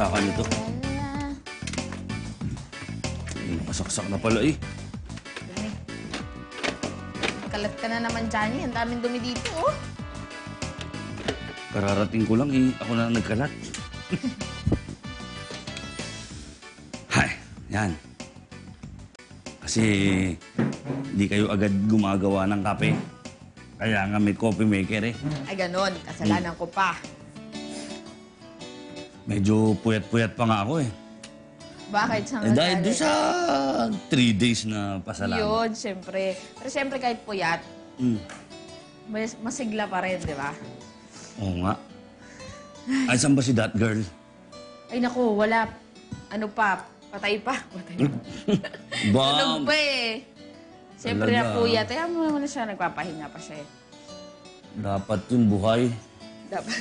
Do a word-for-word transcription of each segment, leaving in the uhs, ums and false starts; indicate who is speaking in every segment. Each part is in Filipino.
Speaker 1: saksakan nito. Ay, nakasaksak na pala eh.
Speaker 2: Dumi. Kalat ka na naman, Johnny. Ang daming dumi dito, oh.
Speaker 1: Kararating ko lang eh. Ako na nagkalat. Hay, yan. Kasi hindi kayo agad gumagawa ng kape. Kaya nga may coffee maker eh.
Speaker 2: Ay, ganon. Kasalanan ko pa.
Speaker 1: Medyo puyat-puyat pa nga ako eh.
Speaker 2: Bakit siya
Speaker 1: Eh, dahil doon sa three days na pasalamat.
Speaker 2: Yun, siyempre. Pero siyempre kahit puyat,
Speaker 1: Mm.
Speaker 2: mas masigla pa rin, di ba?
Speaker 1: Oo nga. Ay, saan ba si that girl?
Speaker 2: Ay, naku, wala. Ano pa? Patay pa. Patay pa.
Speaker 1: Bam!
Speaker 2: Tulog pa eh. Siyempre
Speaker 1: Talaga.
Speaker 2: na puyat. Kaya mo naman siya, nagpapahinga pa siya eh.
Speaker 1: Dapat yung buhay.
Speaker 2: Dapat.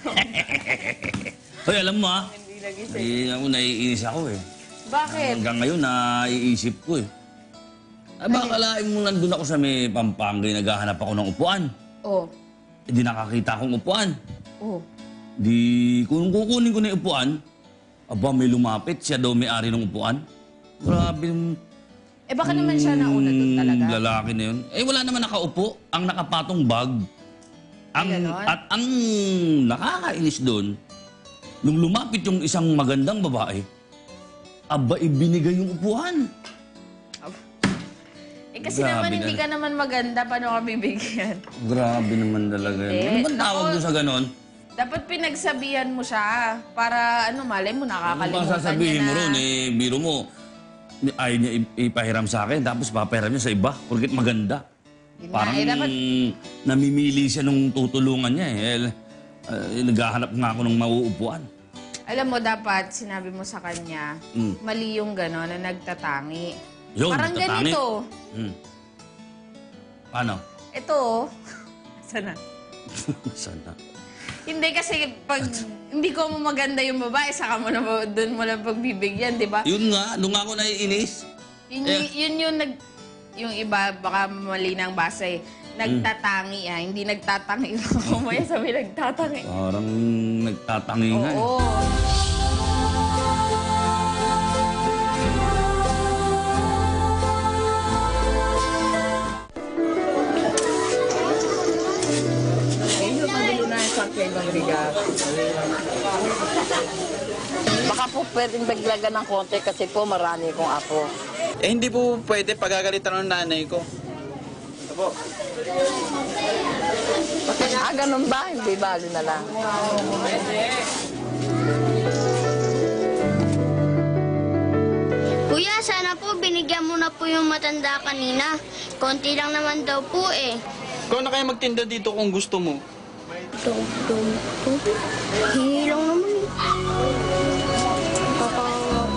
Speaker 1: Hoy, alam mo ah.
Speaker 2: Hindi nagising.
Speaker 1: Eh, ako naiinis ako eh.
Speaker 2: Bakit?
Speaker 1: Hanggang ngayon, naiisip ko eh. Ay, baka kalain mo nandun ako sa may Pampanga, eh, naghahanap ako ng upuan.
Speaker 2: Oh.
Speaker 1: Eh, di nakakita akong upuan.
Speaker 2: Oh.
Speaker 1: Di, kung kukunin ko na yung upuan, aba, may lumapit. Siya daw may-ari ng upuan. Grabe yung...
Speaker 2: Eh baka naman siya nauna doon
Speaker 1: mm,
Speaker 2: talaga.
Speaker 1: lalaki na yun. Eh, wala naman nakaupo. Ang nakapatong bag. Ang,
Speaker 2: Ay, ganon?
Speaker 1: at ang nakakainis doon, nung lumapit yung isang magandang babae, aba, ibinigay yung upuan.
Speaker 2: Eh kasi
Speaker 1: Grabe
Speaker 2: naman hindi
Speaker 1: na.
Speaker 2: ka naman maganda, paano ka bibigyan?
Speaker 1: Grabe naman talaga yun.
Speaker 2: Hindi.
Speaker 1: Ano bang tawag
Speaker 2: Ako-
Speaker 1: doon sa ganon?
Speaker 2: Dapat pinagsabihan mo siya para ano, malay mo
Speaker 1: Ano
Speaker 2: nakakalimutan
Speaker 1: bang sasabihin
Speaker 2: niya
Speaker 1: mo
Speaker 2: na...
Speaker 1: ron? Eh, biro mo, ayaw niya ip- ipahiram sa akin, tapos papahiram niya sa iba, porket maganda.
Speaker 2: Yun nga,
Speaker 1: Parang
Speaker 2: eh, dapat-
Speaker 1: namimili siya nung tutulungan niya eh. Eh, naghahanap nga ako ng mauupuan.
Speaker 2: Alam mo, dapat sinabi mo sa kanya,
Speaker 1: Mm.
Speaker 2: mali yung gano'n na nagtatangi.
Speaker 1: Yun,
Speaker 2: Parang
Speaker 1: nagtatangi.
Speaker 2: ganito.
Speaker 1: Hmm. Paano?
Speaker 2: Ito, oh. Sana.
Speaker 1: Sana.
Speaker 2: Hindi kasi pag hindi ko mo maganda yung babae, saka mo na doon mo lang pagbibigyan, di ba?
Speaker 1: Yun nga, nung ako naiinis.
Speaker 2: Yun,
Speaker 1: Eh.
Speaker 2: yun yung nag... Yung iba, baka mali ng basa eh. Nagtatangi ah, hindi nagtatangi. Kumaya sabi nagtatangi.
Speaker 1: Parang nagtatangi nga eh.
Speaker 2: Oo.
Speaker 3: Medyo magulo na sa ibang bigas.
Speaker 4: Baka po pwedeng daglagan ng konti kasi po marami kong apo.
Speaker 5: Eh, hindi po pwede pagagalitan ng nanay ko. Ito po.
Speaker 4: Ah, ganun ba? Hindi bali na lang.
Speaker 6: Kuya, sana po binigyan mo na po yung matanda kanina. Konti lang naman daw po eh.
Speaker 5: Ikaw na kaya magtinda dito kung gusto mo.
Speaker 6: Dum, dum, dum. Hingi lang naman eh. Kakawa ko.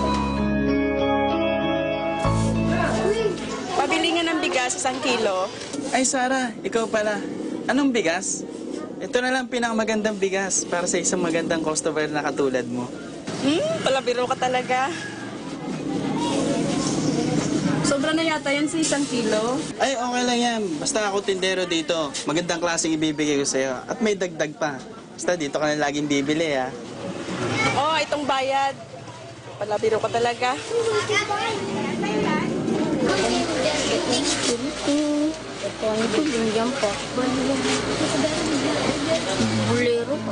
Speaker 3: Pabili nga ng bigas, isang kilo.
Speaker 5: Ay, Sarah, ikaw pala. Anong bigas? Ito na lang pinakamagandang bigas para sa isang magandang customer na katulad mo.
Speaker 3: Hmm, palabiro ka talaga. Sobra na yata yan sa isang kilo.
Speaker 5: Ay, okay lang yan. Basta ako tindero dito. Magandang klaseng ibibigay ko sa'yo. At may dagdag pa. Basta dito ka na laging bibili, ha?
Speaker 3: Oh, itong bayad. Palabiro ka talaga.
Speaker 6: Ito, ano po, binigyan pa. Bulero pa.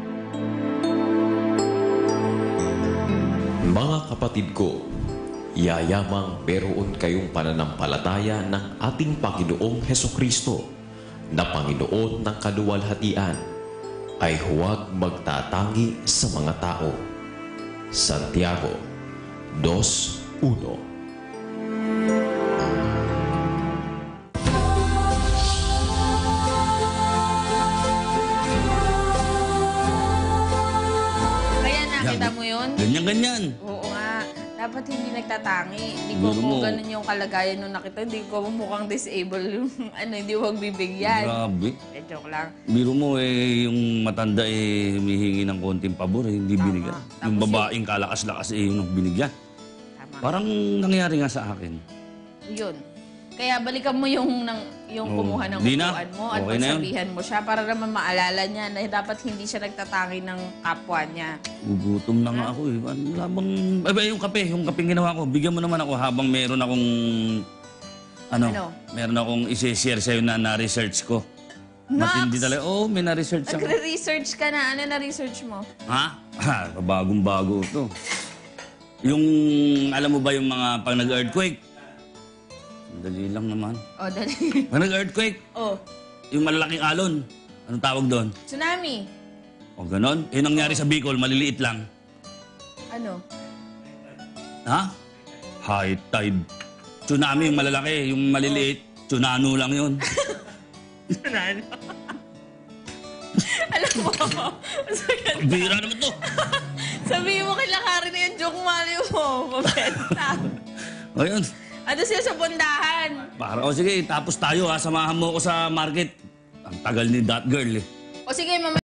Speaker 7: Mga kapatid ko, yayamang meron kayong pananampalataya ng ating Panginoong Hesukristo na Panginoon ng kaluwalhatian ay huwag magtatangi sa mga tao. Santiago two one.
Speaker 2: Kaya nakita mo yun?
Speaker 1: Ganyan-ganyan.
Speaker 2: Oo nga. Dapat hindi nagtatangi. Hindi ko
Speaker 1: Biro
Speaker 2: mo
Speaker 1: mo.
Speaker 2: ganun yung kalagayan nung nakita. Hindi ko mo mukhang disabled yung ano, hindi huwag bibigyan.
Speaker 1: Grabe.
Speaker 2: Eh, joke lang.
Speaker 1: Biro mo eh, yung matanda eh, humihingi ng konting pabor eh, hindi binigyan. Yung
Speaker 2: Tapos
Speaker 1: babaeng kalakas-lakas eh, yung binigyan.
Speaker 2: Tama.
Speaker 1: Parang nangyari nga sa akin.
Speaker 2: Yun. Kaya balikan mo yung, ng, yung
Speaker 1: Oo.
Speaker 2: kumuha ng
Speaker 1: Di na.
Speaker 2: upuan mo at
Speaker 1: Okay na yun.
Speaker 2: pagsabihan mo siya para naman maalala niya na dapat hindi siya nagtatangi ng kapwa niya.
Speaker 1: Gugutom na nga ako eh. Wala bang... Ay, ba, yung kape, yung kape ginawa ko. Bigyan mo naman ako habang meron akong... Ano?
Speaker 2: Ano?
Speaker 1: Meron akong isi-share sa'yo na na-research ko.
Speaker 2: Max!
Speaker 1: Matindi talaga. Oo, may na-research ako.
Speaker 2: Nagre-research ka na. Ano na-research mo?
Speaker 1: Ha? Ha, bagong-bago ito. Yung, alam mo ba yung mga pag nag-earthquake? Dali lang naman.
Speaker 2: O, dali.
Speaker 1: Pag nag-earthquake,
Speaker 2: oh,
Speaker 1: yung malalaking alon, anong tawag doon?
Speaker 2: tsunami.
Speaker 1: O ganon? Yung nangyari sa Bicol, maliliit lang.
Speaker 2: Ano?
Speaker 1: Ha? High tide. Tsunami yung malalaki, yung maliliit, tsunano lang yun.
Speaker 2: Tsunami. Alam mo,
Speaker 1: Bira naman to.
Speaker 2: sabihin mo kay Lakari na yung joke mali mo. Mabenta.
Speaker 1: O yun.
Speaker 2: Ano siya sa bundahan?
Speaker 1: Para, o sige, tapos tayo ha, samahan mo ako sa market. Ang tagal ni that girl eh.
Speaker 2: O sige, mamaya.